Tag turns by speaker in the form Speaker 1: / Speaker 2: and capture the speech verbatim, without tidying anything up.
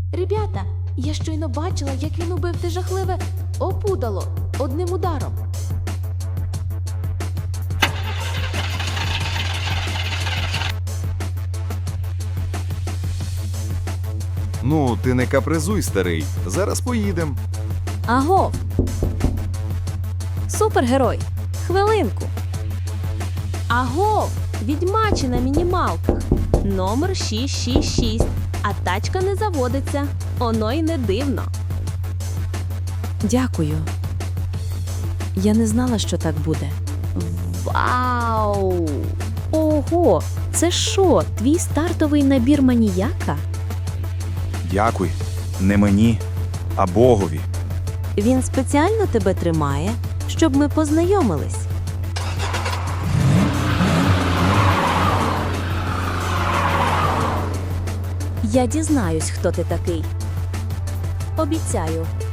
Speaker 1: Ребята, я щойно бачила, як він убив те жахливе опудало одним ударом.
Speaker 2: Ну, ти не капризуй, старий. Зараз поїдем.
Speaker 3: Агов! Супергерой! Хвилинку!
Speaker 1: Агов! Відьмачі на мінімалках. Номер шість шість шість. А тачка не заводиться. Оно й не дивно.
Speaker 3: Дякую. Я не знала, що так буде.
Speaker 1: Вау!
Speaker 3: Ого! Це що, твій стартовий набір маніяка?
Speaker 4: Дякуй. Не мені, а Богові.
Speaker 3: Він спеціально тебе тримає, щоб ми познайомились. Я дізнаюсь, хто ти такий. Обіцяю,